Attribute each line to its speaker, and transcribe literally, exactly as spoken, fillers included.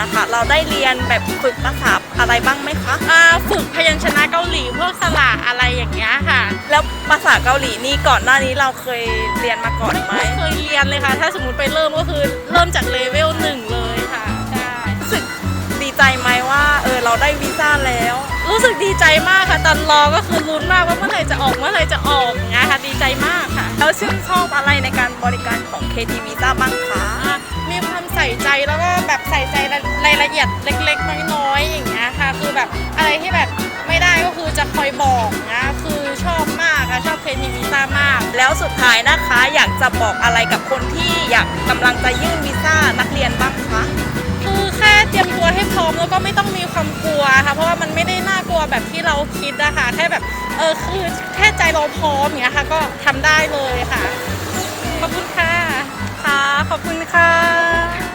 Speaker 1: นะคะเราได้เรียนแบบฝึกภาษาอะไรบ้างไหมคะ
Speaker 2: อ่าฝึกพยัญชนะเกาหลีพวกสระอะไรอย่างเงี้ยค่ะ
Speaker 1: แล้วภาษาเกาหลีนี่ก่อนหน้านี้เราเคยเรียนมาก่อนไหม
Speaker 2: ไม่เคยเรียนเลยค่ะถ้าสมมติไปเริ่มก็คือเริ่มจากเลเวลหนึ่งเลยค่ะใช่
Speaker 1: รู้สึกดีใจไหมว่าเออเราได้วีซ่าแล้ว
Speaker 2: รู้สึกดีใจมากค่ะตอนรอก็คือลุ้นมากว่าเมื่อไหร่จะออกเมื่อไหร่จะออกอย่างเงี้ยค่ะดีใจมากค่ะ
Speaker 1: แล้วชื่นชอบอะไรในการบริการของ เค ที Visa บ้างคะ
Speaker 2: มีความใส่ใจแล้วก็แบบใส่ใจรายละเอียดเล็กๆน้อยๆอย่างเงี้ยค่ะคือแบบอะไรที่แบบไม่ได้ก็คือจะคอยบอกนะคือชอบมากค่ะชอบ เค ที Visa มาก
Speaker 1: แล้วสุดท้ายนะคะอยากจะบอกอะไรกับคนที่อยากกำลังจะยื่นวีซ่านักเรียนบ้างคะ
Speaker 2: คือแค่เตรียมตัวให้พร้อมแล้วก็ไม่ต้องมีความกลัวค่ะเพราะว่ามันไม่ได้น่ากลัวแบบที่เราคิดนะคะแค่แบบเออคือแค่ใจเราพร้อมอย่างเงี้ยค่ะก็ทำได้เลยค่ะขอบคุณค่ะ
Speaker 1: ค่ะขอบคุณค่ะ